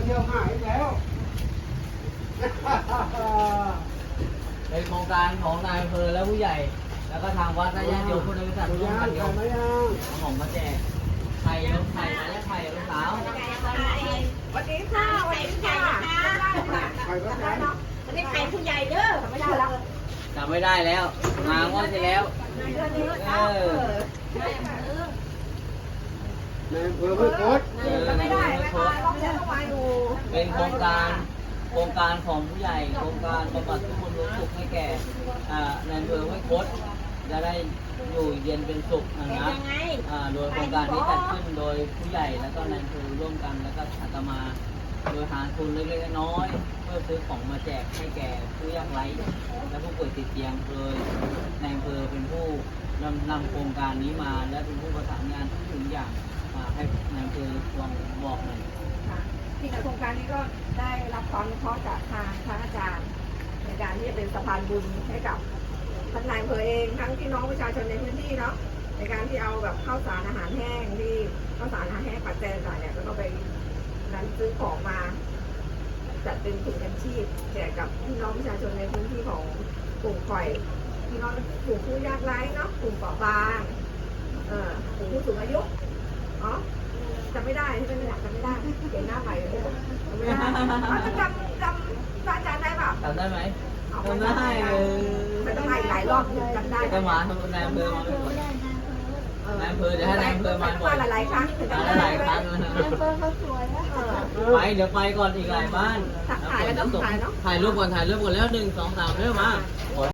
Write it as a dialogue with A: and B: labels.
A: เที่ยวหายแล้ว
B: เป็นโครงการของนายอำเภอและผู้ใหญ่ แล้วก็ทางวัดและญาติโยมพุทธบริษัทร่วมกันยกเอาของมาแจกไข่ลูกไข่มาแล้วไข่ลูกสาว
C: วันนี้ค่ะวันนี้ค่ะวันนี้ใครผู้ใหญ่เด้อไม่ได้แล้ว
B: จำไม่ได้แล้วมางวดที่แล้วเออ
A: ในอำเภอห้วยคด
C: ไม่ได้ไม่มาต้องเช็คต้องมาอยู่
B: เป็นโครงการของผู้ใหญ่โครงการบำบัดทุกคนรู้สุขให้แก่ในอำเภอห้วยคดจะได้อยู่เย็นเป็นสุขนะครับโดยโครงการนี้จัดขึ้นโดยผู้ใหญ่แล้วก็ในอำเภอร่วมกันแล้วก็อาตมาโดยหาทุนเล็กๆน้อยๆเพื่อซื้อของมาแจกให้แก่ผู้ยากไร้และผู้ป่วยติดเตียงโดยในอำเภอเป็นผู้นำโครงการนี้มาและเป็นผู้ประสานงานทุกอย่างให้ในอำเภอลองบอกหน่อย
C: ที่โครงการนี้ก็ได้รับความอนุเคราะห์จากทางพระอาจารย์ในการที่จะเป็นสะพานบุญให้กับทั้งนายอำเภอเองทั้งพี่น้องประชาชนในพื้นที่เนาะในการที่เอาแบบข้าวสารอาหารแห้งที่ข้าวสารอาหารแห้งปัจจัยต่างเนี่ยก็ต้องไปนั้นซื้อของมาจัดเป็นถุงยังชีพแจกกับพี่น้องประชาชนในพื้นที่ของกลุ่มข่อยพี่น้องกลุ่มผู้ยากไร้เนาะกลุ่มเปราะบางกลุ่มผู้สูงอายุอ๋อจำไม่ได้ที่เป็นหลักจำไม่ได้เห็นหน้าใหม่เลยจำไม่ได้จำอาจารย์ได้เปล่า
B: จำได้ไหมจำได้
C: มันต้องมาอีกหลายรอบถึงจำได้
B: จะมาทำนายอำเภอมาบ่อยนายอำเภอเดี๋ยวให้นายอำเภอมาบ่อย
C: หลายครั้งถึงจำ
B: ห
C: ได้
B: ลายครั้งนะไปเดี๋ยวไปก่อนอีกหลายบ้านถ่ายรูปก่อนแล้ว1 2 3เริ่มมา